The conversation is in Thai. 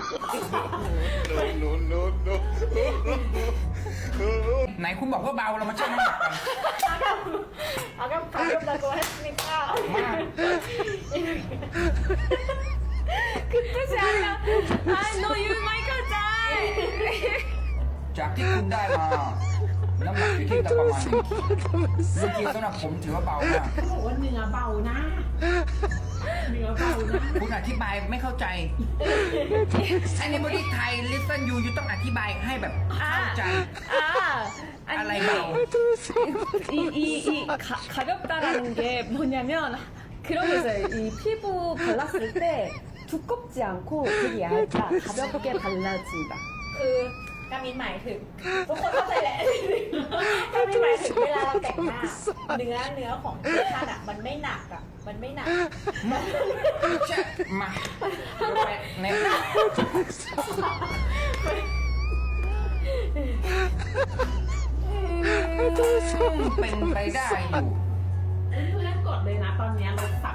ไหนคุณบอกว่าเบาเรามาชั่งน้ำหนักกัน 아까 가볍다고 했으니까 มา 그 뜻이 아니라 너 유마이클 짤 จากที่คุณได้มา น้ำหนักอยู่ที่ประมาณเมื่อกี้สำหรับผมถือว่าเบามากเขาบอกว่าเนื้อเบานะเนื้อเบานะคุณอธิบายไม่เข้าใจ Anybody Thai listen you ต้องอธิบายให้แบบเข้าใจ อะไรเบา 가볍다라는 게 뭐냐면 그런 거 있어요. 이 피부 발랐을 때 두껍지 않고 되게 얇다, 가볍게 발라진다. คือกามินหมายถึงทุกคนเข้าใจแหละกามินหมายถึงเวลาเราแต่งหน้าเนื้อของเสื้อผ้าอะมันไม่หนักอะมันไม่หนักจะมาไปในเป็นไปได้อยู่เพื่อนๆกดเลยนะตอนนี้ลด